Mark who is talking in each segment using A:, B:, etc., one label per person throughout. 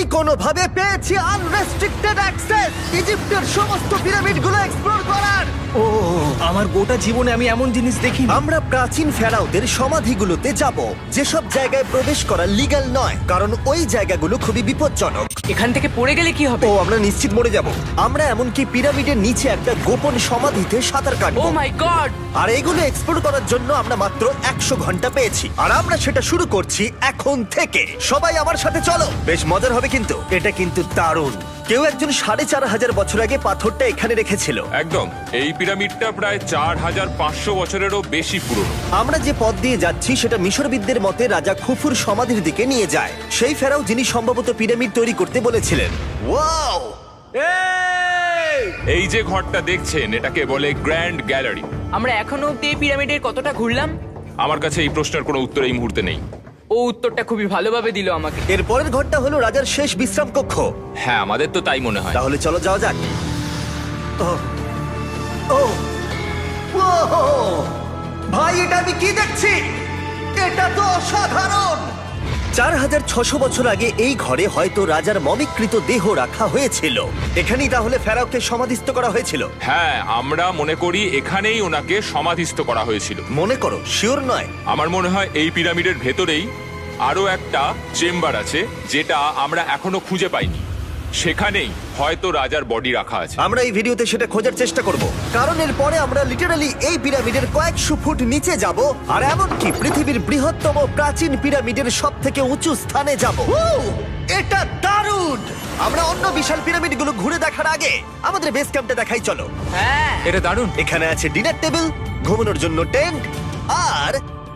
A: কোনোভাবে পেয়েছি unrestricted access ইজিপ্টের সমস্ত পিরামিডগুলো এক্সপ্লোর করার।
B: ও আমার গোটা জীবনে আমি এমন জিনিস দেখিনি।
A: আমরা প্রাচীন ফেরাওদের সমাধিগুলোতে যাব, যেসব জায়গায় প্রবেশ করা লিগ্যাল নয়, কারণ ওই জায়গাগুলো খুবই বিপজ্জনক।
C: এখান থেকে পড়ে গেলে কি হবে?
A: ও আমরা নিশ্চিত মরে যাব। আমরা এমনকি পিরামিডের নিচে একটা গোপন সমাধিতে সাঁতার
C: ও
A: কাটবো।
C: মাই গড!
A: আর এগুলো এক্সপ্লোর করার জন্য আমরা মাত্র 100 ঘন্টা পেয়েছি, আর আমরা সেটা শুরু করছি এখন থেকে। সবাই আমার সাথে চলো, বেশ মজার হবে কিন্তু। এটা কিন্তু দারুণ। কেউ একজন 4500 বছর আগে পাথরটা এখানে রেখেছিল।
D: একদম, এই পিরামিডটা প্রায় 4500 বছরেরও বেশি পুরনো।
A: আমরা যে পথ দিয়ে যাচ্ছি সেটা মিশরবিদদের মতে রাজা খুফুর সমাধির দিকে নিয়ে যায়, সেই ফেরাও যিনি সম্ভবত পিরামিড তৈরি করতে বলেছিলেন। ওয়াও!
D: এই যে ঘরটা দেখছেন এটাকে বলে গ্র্যান্ড গ্যালারি।
C: আমরা এখনো অব্দি এই পিরামিডের কতটা ঘুরলাম?
D: আমার কাছে এই প্রশ্নের কোনো উত্তর এই মুহূর্তে নেই।
C: ও উত্তরটা খুবই ভালোভাবে দিল আমাকে।
A: এর পরের ঘরটা হলো রাজার শেষ বিশ্রাম কক্ষ।
D: হ্যাঁ, আমাদের তো তাই মনে হয়।
A: তাহলে চলো যাওয়া যাক। ও ও ও ভাই, এটা আমি কি দেখছি? এটা তো অসাধারণ। 4600 বছর আগে এই ঘরে হয়তো রাজার মমিকৃত দেহ রাখা হয়েছিল। এখানেই তাহলে ফেরাওকে সমাধিস্থ করা হয়েছিল।
D: হ্যাঁ, আমরা মনে করি এখানেই ওনাকে সমাধিস্থ করা হয়েছিল।
A: মনে করো, শিওর নয়।
D: আমার মনে হয় এই পিরামিডের ভেতরেই আরো একটা চেম্বার আছে যেটা আমরা এখনো খুঁজে পাইনি। সেখানেই হয়তো রাজার বডি রাখা আছে।
A: আমরা এই ভিডিওতে সেটা খোঁজার চেষ্টা করব, কারণ এর পরে আমরা লিটারালি এই পিরামিডের কয়েকশো ফুট নিচে যাব, আর এমনকি পৃথিবীর বৃহত্তম প্রাচীন পিরামিডের সব থেকে উঁচু স্থানে যাব। এটা দারুণ! আমরা অন্য বিশাল পিরামিডগুলো ঘুরে দেখার আগে আমাদের বেস ক্যাম্পটা দেখাই চলো।
C: হ্যাঁ,
D: এটা দারুণ।
A: এখানে আছে ডিনার টেবিল, ঘুমানোর জন্য টেন্ট, আর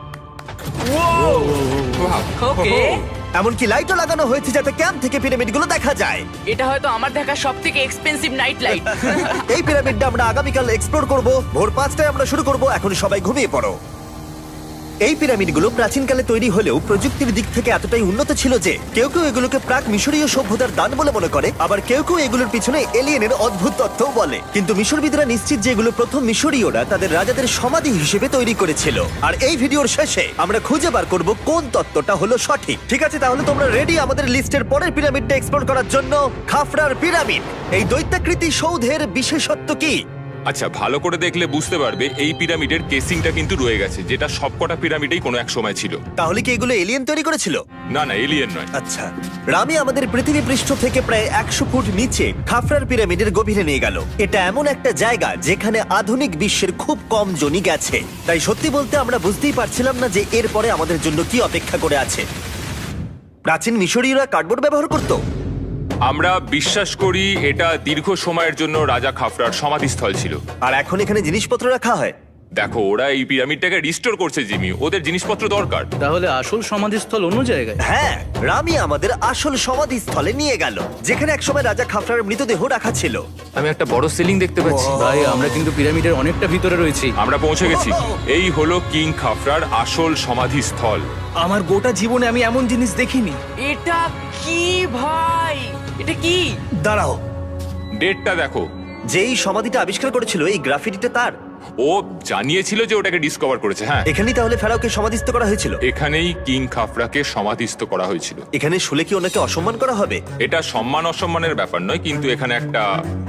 C: ওকে।
A: এমনকি লাইটও লাগানো হয়েছে যাতে ক্যাম্প থেকে পিরামিডগুলো দেখা যায়।
C: এটা হয়তো আমার দেখা সবথেকে এক্সপেন্সিভ নাইট লাইট।
A: এই পিরামিডটা আমরা আগামীকাল এক্সপ্লোর করব। ভোর 5টায় আমরা শুরু করব। এখন সবাই ঘুমিয়ে পড়ো। এই পিরামিডগুলো প্রাচীনকালে তৈরি হলেও প্রযুক্তির দিক থেকে এতটাই উন্নত ছিল যে কেউ কেউ এগুলোকে প্রাক মিশরীয় সভ্যতার দান বলে মনে করে, আবার কেউ কেউ এগুলোর পিছনে এলিয়েনের অদ্ভুত তথ্যও বলে। কিন্তু মিশরবিদরা নিশ্চিত যে এগুলো প্রথম মিশরীয়রা তাদের রাজাদের সমাধি হিসেবে তৈরি করেছিল। আর এই ভিডিওর শেষে আমরা খুঁজে বার করব কোন তত্ত্বটা হলো সঠিক। ঠিক আছে, তাহলে তোমরা রেডি আমাদের লিস্টের পরের পিরামিডটা এক্সপ্লোর করার জন্য? খাফরার পিরামিড। এই দৈত্যাকৃতি সৌধের বিশেষত্ব কি?
D: আচ্ছা, ভালো করে দেখলে বুঝতে পারবে এই পিরামিডের কেসিংটা কিন্তু রয়ে গেছে, যেটা সবকটা পিরামিডেই কোনো এক সময় ছিল।
A: তাহলে কি এগুলো এলিয়েন তৈরি করেছিল?
D: না না, এলিয়েন নয়।
A: আচ্ছা, রামি আমাদের পৃথিবী পৃষ্ঠ থেকে প্রায় 100 ফুট নিচে খাফরার পিরামিডের গভীরে নিয়ে গেল। এটা এমন একটা জায়গা যেখানে আধুনিক বিশ্বের খুব কম জনই গেছে। তাই সত্যি বলতে আমরা বুঝতেই পারছিলাম না যে এরপরে আমাদের জন্য কি অপেক্ষা করে আছে। প্রাচীন মিশরীয়রা কার্ডবোর্ড ব্যবহার করত।
D: আমরা বিশ্বাস করি এটা দীর্ঘ সময়ের জন্য রাজা খাফরার সমাধিস্থল ছিল।
A: আর এখন এখানে জিনিসপত্র রাখা হয়।
D: দেখো, ওরা এই পিরামিডটাকে রিস্টোর করছে জিমি, ওদের জিনিসপত্র দরকার।
B: তাহলে আসল সমাধিস্থল অন্য জায়গায়?
A: হ্যাঁ, রামি আমাদের আসল সমাধিস্থলে নিয়ে গেল, যেখানে একসময় রাজা খাফরার মৃতদেহ রাখা ছিল।
E: আমি একটা বড় সিলিং দেখতে পাচ্ছি।
B: ভাই, আমরা কিন্তু পিরামিডের অনেকটা ভিতরে রয়েছি।
D: আমরা পৌঁছে গেছি। এই হলো কিং খাফরার আসল সমাধিস্থল।
B: আমার গোটা জীবনে আমি এমন জিনিস দেখিনি।
C: এটা কি ভাই? এটা কি?
A: দাঁড়াও,
D: ডেটটা দেখো।
A: যেই সমাধিটা আবিষ্কার করেছিল এই গ্রাফিটিটা তার।
D: ও জানিয়েছিল যে ওটাকে ডিসকভার করেছে। হ্যাঁ,
A: এখানেই তাহলে ফেরাওকে সমাধিস্থ করা হয়েছিল।
D: এখানেই কিং খাফরাকে সমাধিস্থ করা হয়েছিল।
A: এখানে শুলে কি ওনাকে অসম্মান করা হবে?
D: এটা সম্মান অসম্মানের ব্যাপার নয়, কিন্তু এখানে একটা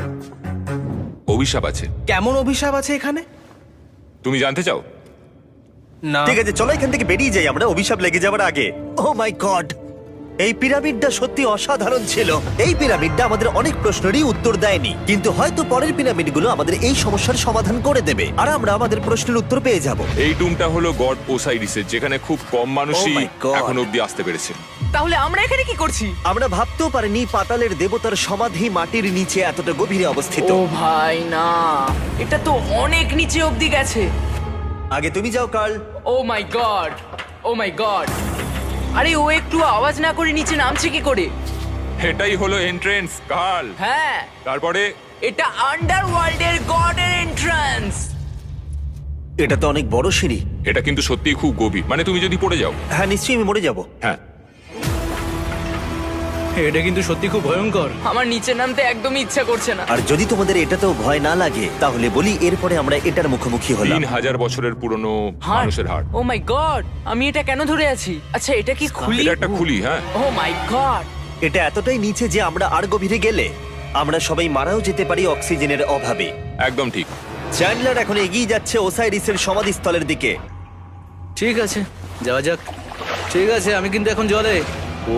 D: অভিশাপ আছে।
B: কেমন অভিশাপ আছে এখানে?
D: তুমি জানতে চাও?
B: না।
A: ঠিক আছে, চলো এখান থেকে বেরিয়ে যাই আমরা অভিশাপ লেগে যাওয়ার আগে। ও মাই গড, এই পিরামিডটা সত্যি অসাধারণ ছিল। এই পিরামিডটা আমাদের অনেক প্রশ্নেরই উত্তর দেয়নি, কিন্তু হয়তো পরের পিরামিডগুলো আমাদের এই সমস্যার সমাধান করে দেবে, আর আমরা আমাদের প্রশ্নের উত্তর পেয়ে যাব।
D: এই টুমটা হলো গড ওসাইরিসের, যেখানে খুব কম মানুষই
A: Oh my God!
D: এখন অব্দি আসতে পেরেছে।
C: তাহলে আমরা এখানে কি করছি?
A: আমরা ভাবতেও পারিনি পাতালের দেবতার সমাধি মাটির নিচে এতটা গভীরে অবস্থিত।
C: ও ভাই না, এটা তো অনেক নিচে অবধি গেছে।
A: আগে তুমি যাও Carl.
C: Oh my god, oh my god! আরে ও একটু আওয়াজ না করে নিচে নামছে কি করে?
D: এটাই হলো এন্ট্রেন্স, কাল।
C: হ্যাঁ,
D: তারপরে
C: এটা আন্ডারওয়ার্ল্ডের গডের এন্ট্রান্স।
A: এটা তো অনেক বড় সিঁড়ি।
D: এটা কিন্তু সত্যিই খুব গভীর, মানে তুমি যদি পড়ে যাও।
A: হ্যাঁ, নিশ্চয়ই আমি মরে যাব।
D: হ্যাঁ,
B: এটা কিন্তু সত্যি খুব ভয়ঙ্কর।
C: আমার নিচে নামতে একদমই ইচ্ছা করছে না।
A: আর যদি তোমাদের এটাতেও ভয় না লাগে তাহলে বলি এরপরে আমরা এটার মুখোমুখি হলাম।
D: 3000 বছরের পুরনো
C: হার্ট,
D: মানুষের হাড়।
C: Oh my god! আমি এটা কেন ধরে আছি? আচ্ছা, এটা কি খুলি?
D: এটা একটা খুলি। হ্যাঁ,
C: ও মাই গড!
A: এটা এতটাই নিচে যে আমরা আর গভীরে গেলে আমরা সবাই মারাও যেতে পারি অক্সিজেনের অভাবে।
D: একদম ঠিক।
A: চ্যান্ডলার এখন এগিয়ে যাচ্ছে ওসাইরিসের সমাধিস্থলের দিকে।
B: ঠিক আছে, যাওয়া যাক। ঠিক আছে, আমি কিন্তু এখন জলে। ও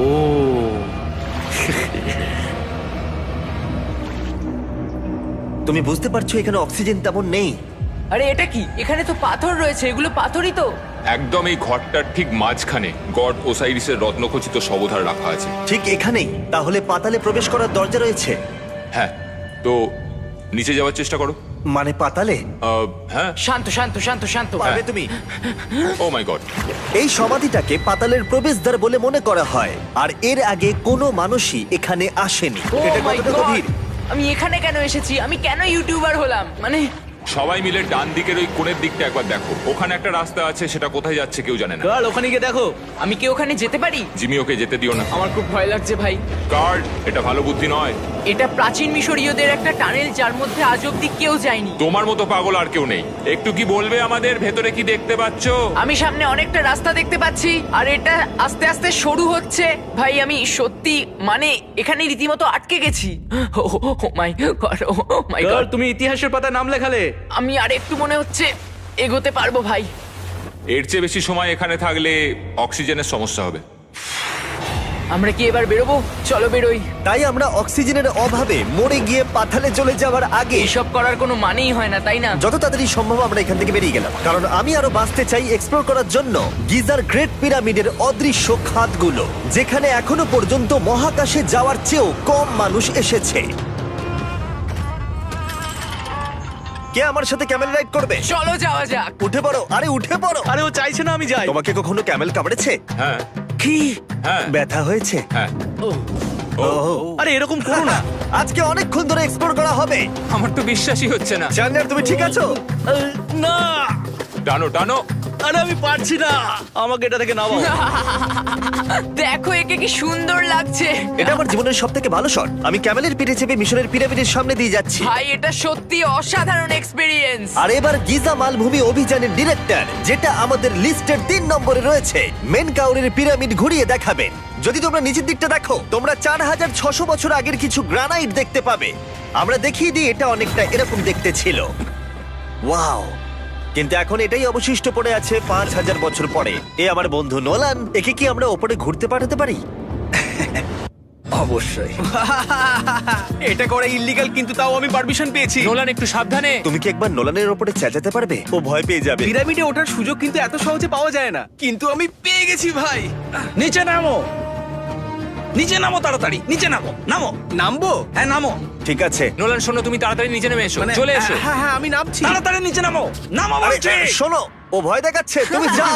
A: তুমি বুঝতে পারছো এখানে অক্সিজেন তেমন নেই।
C: আরে এটা কি? এখানে তো পাথর রয়েছে, এগুলো পাথরই তো।
D: একদম এই ঘরটার ঠিক মাঝখানে গড ওসাইরিসের রত্নখচিত শবধার রাখা আছে।
A: ঠিক এখানেই? তাহলে পাতালে প্রবেশ করার দরজা রয়েছে?
D: হ্যাঁ, তো নিচে যাওয়ার চেষ্টা করো।
A: মানে পাতালে?
D: হ্যাঁ।
C: শান্ত শান্ত শান্ত শান্ত।
A: পারবে তুমি?
D: Oh my god.
A: এই সমাধিটাকে পাতালের প্রবেশদ্বার বলে মনে করা হয়, আর এর আগে কোনো মানুষই এখানে আসেনি।
C: Oh
A: এটা
C: my
A: কতটা
C: God!
A: গভীর?
C: আমি এখানে কেন এসেছি? আমি কেন ইউটিউবার হলাম? মানে
D: সবাই মিলে ডান দিকের ওই কোণের দিকটা একবার দেখো। ওখানে একটা রাস্তা আছে, সেটা কোথায় যাচ্ছে কেউ জানে না।
B: কাল ওখানে গিয়ে দেখো।
C: আমি কি ওখানে যেতে পারি?
D: জিমি, ওকে যেতে দিও না।
C: আমার খুব ভয় লাগছে ভাই।
D: গার্ড, এটা ভালো বুদ্ধি নয়।
C: এটা প্রাচীন মিশরীয়দের একটা টানেল যার মধ্যে আজ অব্দি কেউ যায়নি।
D: তোমার মতো পাগল আর কেউ নেই। একটু কি বলবে আমাদের ভেতরে কি দেখতে পাচ্ছ?
C: আমি সামনে অনেকটা রাস্তা দেখতে পাচ্ছি, আর এটা আস্তে আস্তে সরু হচ্ছে। ভাই আমি সত্যি মানে এখানে রীতিমতো আটকে গেছি। ও মাই গড, ও মাই
B: কাল
C: গড।
B: তুমি ইতিহাসের পাতায় নাম লেখালে।
C: আমি আর একটু মনে হচ্ছে এগোতে পারবো ভাই।
D: এর চেয়ে বেশি সময় এখানে থাকলে অক্সিজেনের সমস্যা হবে।
C: আমরা কি এবার বেরোবো? চলো বেরোই।
A: তাই আমরা অক্সিজেনের অভাবে মরে গিয়ে পাতালে চলে যাওয়ার আগে
C: এসব করার কোনো মানেই হয় না, তাই না?
A: যত তাড়াতাড়ি সম্ভব আমরা এখান থেকে বেরিয়ে গেলাম, কারণ আমি আরো বাঁচতে চাই এক্সপ্লোর করার জন্য গিজার গ্রেট পিরামিডের অদৃশ্য খাতগুলো, যেখানে এখনো পর্যন্ত মহাকাশে যাওয়ার চেয়েও কম মানুষ এসেছে। কে আমার সাথে ক্যামেল রাইড করবে?
C: চলো যাওয়া যাক।
A: উঠে পড়ো, আরে উঠে পড়ো।
B: আরে ও চাইছে না আমি যাই।
A: তোমাকে কখনো ক্যামেল কামড়েছে?
D: হ্যাঁ
A: কি
D: হ্যাঁ
A: ব্যথা হয়েছে?
D: হ্যাঁ।
B: আরে এরকম করো না।
A: আজকে অনেকক্ষণ ধরে এক্সপ্লোর করা হবে।
D: আমার তো বিশ্বাসই হচ্ছে না।
A: জানলার তুমি ঠিক আছো?
B: না,
D: টানো টানো।
B: আরে আমি পারছি না, আমাকে এটা থেকে নামাও।
C: দেখো একে কি সুন্দর লাগছে।
A: এটা আমার জীবনের সব থেকে ভালো শট। আমি ক্যামেলের পিঠে চেপে মিশরের পিরামিডের সামনে দিয়ে যাচ্ছি।
C: ভাই এটা সত্যি অসাধারণ এক্সপেরিয়েন্স।
A: আর এবার গিজা মালভূমি অভিযানের ডিরেক্টর, যেটা আমাদের লিস্টের 3 নম্বরে রয়েছে, মেন কাউরের পিরামিড ঘুরিয়ে দেখাবেন। যদি তোমরা নিচের দিকটা দেখো, তোমরা 4600 বছর আগের কিছু গ্রানাইট দেখতে পাবে। আমরা দেখিয়ে দিই, এটা অনেকটা এরকম দেখতে ছিল। ওয়াও! কিন্তু এখন এটাই অবশিষ্ট পড়ে আছে 5000 বছর পরে। এ আমার বন্ধু নোলান, একে কি আমরা ওপরে ঘুরতে পাঠাতে পারি?
F: অবশ্যই।
B: এটা করা ইল্লিগাল, কিন্তু তাও আমি পারমিশন পেয়েছি।
E: নোলান একটু সাবধানে।
A: তুমি কি একবার নোলানের ওপরে চেঁচাতে পারবে? ও ভয় পেয়ে যাবে।
B: পিরামিডে ওঠার সুযোগ কিন্তু এত সহজে পাওয়া যায় না, কিন্তু আমি পেয়ে গেছি ভাই।
F: নিচে নামো, নিচে নামো, তাড়াতাড়ি নিচে নামো, নামো।
B: নামবো?
F: হ্যাঁ নামো,
A: ঠিক আছে।
E: নোলান শোনো, তুমি তাড়াতাড়ি নিচে নেমে এসো।
B: মানে
E: চলে এসো।
B: হ্যাঁ হ্যাঁ আমি নামছি।
F: তাড়াতাড়ি নিচে নামো, নামো
A: আরে,
F: বলছি।
A: শোনো, ও ভয় দেখাচ্ছে, তুমি যাও।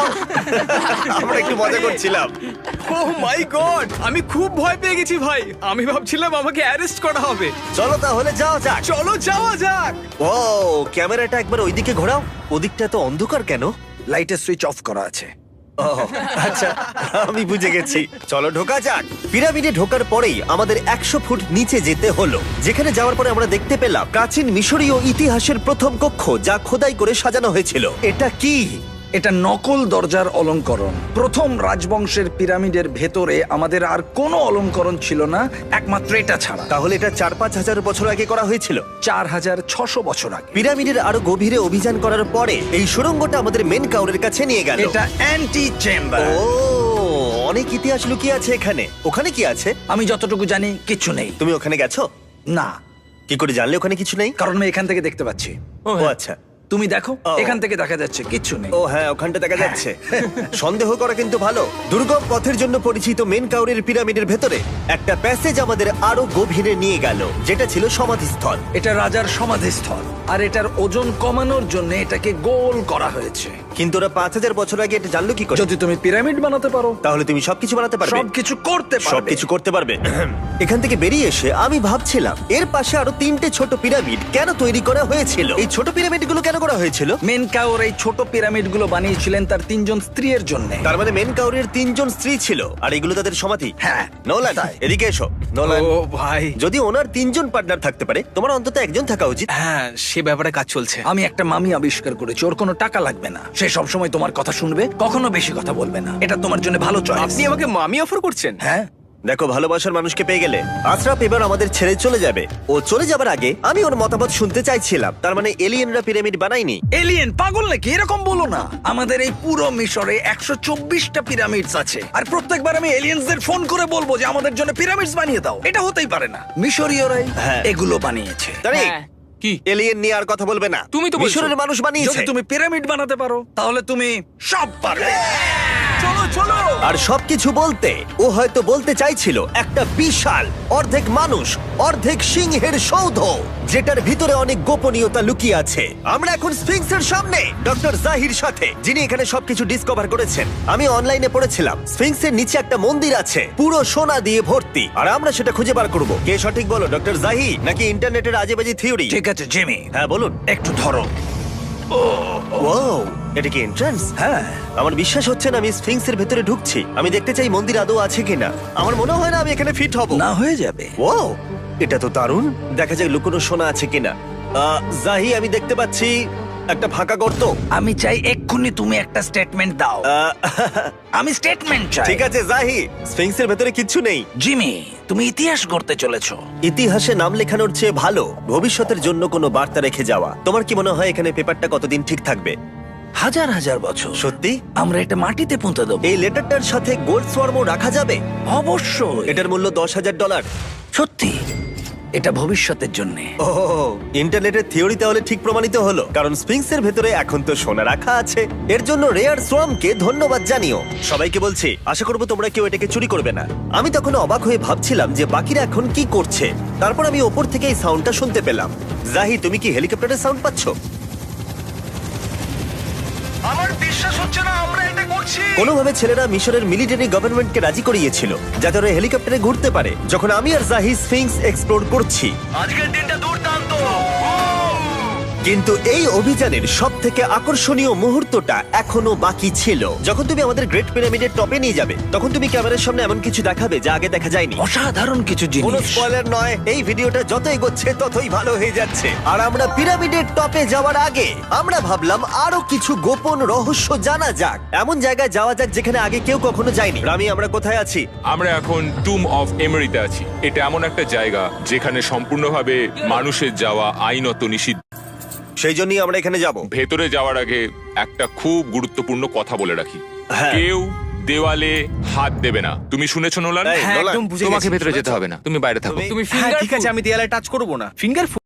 A: আমরা একটু মজা করছিলাম।
B: ও মাই গড, আমি খুব ভয় পেয়ে গেছি ভাই। আমি ভাবছিলাম আমাকে অ্যারেস্ট করা হবে।
A: চলো তাহলে যাওয়া যাক।
B: চলো যাওয়া যাক।
A: ও ক্যামেরাটা একবার ওইদিকে ঘোরাও। ওদিকটা তো অন্ধকার কেন?
F: লাইটের সুইচ অফ করা আছে।
A: ও আচ্ছা, আমি বুঝে গেছি। চলো ঢোকা যাক। পিরামিডে ঢোকার পরেই আমাদের 100 ফুট নিচে যেতে হলো, যেখানে যাওয়ার পরে আমরা দেখতে পেলাম প্রাচীন মিশরীয় ইতিহাসের প্রথম কক্ষ, যা খোদাই করে সাজানো হয়েছিল। এটা কি?
F: এটা নকল দরজার অলঙ্করণ। প্রথম রাজবংশের পিরামিডের ভেতরে আমাদের আর কোনো অলঙ্করণ ছিল না, একমাত্র এটা ছাড়া।
A: তাহলে এটা 4-5 হাজার বছর আগে করা হয়েছিল।
F: 4600 বছর আগে।
A: পিরামিডের আরো গভীরে অভিযান করার পরে এই সুড়ঙ্গটা আমাদের মেন কাউরের কাছে নিয়ে গেল।
F: এটা অ্যান্টি চেম্বার।
A: ও, অনেক ইতিহাস লুকিয়ে আছে এখানে। ওখানে কি আছে?
F: আমি যতটুকু জানি কিছু নেই।
A: তুমি ওখানে গেছো?
F: না,
A: কি করে জানলে ওখানে কিছু নেই?
F: কারণ আমি এখান থেকে দেখতে পাচ্ছি।
A: ও আচ্ছা।
F: তুমি দেখো,
A: ও।
F: এখান থেকে দেখা যাচ্ছে কিচ্ছু নেই।
A: ও হ্যাঁ, ওখানটা দেখা যাচ্ছে। সন্দেহ করা কিন্তু ভালো। দুর্গম পথের জন্য পরিচিত মেন কাউরের পিরামিডের ভেতরে একটা প্যাসেজ আমাদের আরো গভীরে নিয়ে গেল, যেটা ছিল সমাধিস্থল।
F: এটা রাজার সমাধিস্থল, আর এটার ওজন কমানোর জন্য এটাকে গোল করা হয়েছে।
A: কিন্তু ওরা 5000 বছর আগে এটা জানলো কি করে?
F: যদি তুমি পিরামিড বানাতে পারো,
A: তাহলে তুমি সবকিছু বানাতে পারবে।
F: সবকিছু করতে পারবে।
A: সবকিছু করতে পারবে। এখান থেকে বেরিয়ে এসে আমি ভাবছিলাম, এর পাশে আরো 3টে ছোট পিরামিড কেন তৈরি করা হয়েছিল? এই ছোট পিরামিডগুলো কেন করা হয়েছিল?
F: মেনকাওর এই ছোট পিরামিডগুলো বানিয়েছিলেন তার 3জন স্ত্রীর জন্য।
A: তার মানে মেন কাউরের 3জন স্ত্রী ছিল, আর এগুলো তাদের সমাধি।
F: হ্যাঁ,
A: নোলান,
F: তাই।
A: এদিকে এসো। নোলান,
B: ও ভাই,
A: যদি ওনার 3জন পার্টনার থাকতে পারে, তোমার অন্তত একজন থাকা উচিত।
B: হ্যাঁ সে ব্যাপারে কাজ চলছে।
F: আমি একটা মামি আবিষ্কার করেছি, ওর কোনো টাকা লাগবে না। সে সব সময় তোমার কথা শুনবে, কখনো বেশি কথা বলবে না। এটা তোমার জন্য ভালো চয়েস।
B: আপনি আমাকে মামি অফার করছেন?
F: হ্যাঁ,
A: দেখো, ভালোবাসার মানুষকে পেয়ে গেলে আশরাফ এবার আমাদের ছেড়ে চলে যাবে। ও চলে যাবার আগে আমি ওর মতামত শুনতে চাইছিলাম। তার মানে এলিয়েনরা পিরামিড বানায়নি?
F: এলিয়েন পাগল নাকি? এরকম বলো না। আমাদের এই পুরো মিশরে 124টা পিরামিডস আছে, আর প্রত্যেকবার আমি এলিয়েন্সদের ফোন করে বলবো যে আমাদের জন্য পিরামিডস বানিয়ে দাও। এটা হতেই পারে না। মিশরীয়রাই
A: হ্যাঁ।
F: এগুলো বানিয়েছে।
A: তারে,
C: হ্যাঁ।
E: কি
A: এলিয়েন নিয়ে আর কথা বলবে না।
E: তুমি তো বলছো।
A: মিশরের মানুষ বানিয়েছে।
F: যদি তুমি পিরামিড বানাতে পারো তাহলে তুমি সব পারবে। চলো চলো।
A: আর সবকিছু বলতে ও হয়তো বলতে চাইছিল একটা বিশাল অর্ধেক মানুষ অর্ধেক সিংহের সৌধ, যেটার ভিতরে অনেক গোপনীয়তা লুকিয়ে আছে। আমরা এখন স্ফিংসের সামনে ডক্টর জাহির সাথে, যিনি এখানে সবকিছু ডিসকভার করেছেন। আমি অনলাইনে পড়েছিলাম স্ফিংসের নিচে একটা মন্দির আছে পুরো সোনা দিয়ে ভর্তি, আর আমরা সেটা খুঁজে বার করব। কে সঠিক বলো, ডক্টর জাহি নাকি ইন্টারনেটের আজেবাজি থিওরি?
F: ঠিক আছে জিমি,
A: হ্যাঁ বলুন।
F: একটু ধরো।
A: ওয়াও, এটা কি এন্ট্রান্স?
F: হ্যাঁ,
A: আমার বিশ্বাস হচ্ছে না আমি স্ফিংসের ভেতরে ঢুকছি। আমি দেখতে চাই মন্দির আদৌ আছে কিনা। আমার মনে হয় না আমি এখানে ফিট হব।
F: না হয়ে যাবে।
A: ও, এটা তো দারুণ। দেখা যায় লুকোনো সোনা আছে কিনা। জাহি, আমি দেখতে পাচ্ছি একটা ফাঁকা গর্ত।
F: আমি চাই এক্ষুনি তুমি একটা স্টেটমেন্ট দাও।
A: আহ,
F: আমি স্টেটমেন্ট চাই।
A: ঠিক আছে জাহি, স্ফিংসের ভেতরে কিচ্ছু নেই।
F: জিমি, তুমি ইতিহাস গড়তে চলেছো।
A: ইতিহাসে নাম লেখানোর চেয়ে ভালো ভবিষ্যতের জন্য কোনো বার্তা রেখে যাওয়া। তোমার কি মনে হয় এখানে পেপারটা কতদিন ঠিক থাকবে?
F: হাজার হাজার বছর।
A: সত্যি?
F: আমরা এটা মাটিতে পুঁতে দেবো।
A: এই লেটারটার সাথে গোল্ড সোয়ার্মও রাখা যাবে?
F: অবশ্যই।
A: এটার মূল্য $10,000।
F: সত্যি, এটা ভবিষ্যতের জন্য।
A: ও, ইন্টারনেটের থিওরি তাহলে ঠিক প্রমাণিত হলো, কারণ স্ফিংসের ভেতরে এখন তো সোনা রাখা আছে। এর জন্য রেয়ার সোয়ামকে ধন্যবাদ জানিও। সবাইকে বলছি, আশা করবো তোমরা কেউ এটাকে চুরি করবে না। আমি তখন অবাক হয়ে ভাবছিলাম যে বাকিরা এখন কি করছে। তারপর আমি ওপর থেকে এই সাউন্ডটা শুনতে পেলাম। জাহি, তুমি কি হেলিকপ্টারের সাউন্ড পাচ্ছ?
F: আমার বিশ্বাস হচ্ছে না আমরা এটা করছি।
A: কোনোভাবে ছেলেরা মিশরের মিলিটারি গভর্নমেন্টকে রাজি করিয়েছিল যাতে ওরা হেলিকপ্টারে ঘুরতে পারে যখন আমি আর জাহি স্ফিংস এক্সপ্লোর করছি।
F: আজকের দিনটা দুর্দান্ত।
A: কিন্তু এই অভিযানের সব থেকে আকর্ষণীয় মুহূর্তটা এখনো বাকি ছিল। যখন তুমি আমাদের গ্রেট পিরামিডের টপে নিয়ে যাবে তখন তুমি ক্যামেরার সামনে এমন কিছু দেখাবে যা আগে দেখা যায়নি।
F: অসাধারণ কিছু
A: কোনো
F: জিনিস।
A: স্পয়লার নয়, এই ভিডিওটা যত এগোচ্ছে ততই ভালো হয়ে যাচ্ছে। আর আমরা পিরামিডের টপে যাওয়ার আগে আমরা ভাবলাম আরো কিছু গোপন রহস্য জানা যাক। এমন জায়গায় যাওয়া যাক যেখানে আগে কেউ কখনো যায়নি। রামি, আমরা কোথায় আছি?
D: আমরা এখন টুম অফ এমেরিতে আছি। এটা এমন একটা জায়গা যেখানে সম্পূর্ণভাবে মানুষের যাওয়া আইনত নিষিদ্ধ।
A: সেই জন্যই আমরা এখানে যাব।
D: ভেতরে যাওয়ার আগে একটা খুব গুরুত্বপূর্ণ কথা বলে রাখি,
A: হ্যাঁ।
D: কেউ দেওয়ালে হাত দেবে না। তুমি শুনেছো নোলান?
A: এই,
B: হ্যাঁ,
A: নোলান,
B: একদম বুঝে
E: তোমাকে
B: গেছি।
E: ভেতরে যেতে হবে না, তুমি বাইরে থাকো।
A: তুমি-
B: তুমি
C: হ্যাঁ,
B: ফিঙ্গার ঠিক আছে, আমি দেয়ালে টাচ করব না। ফিঙ্গার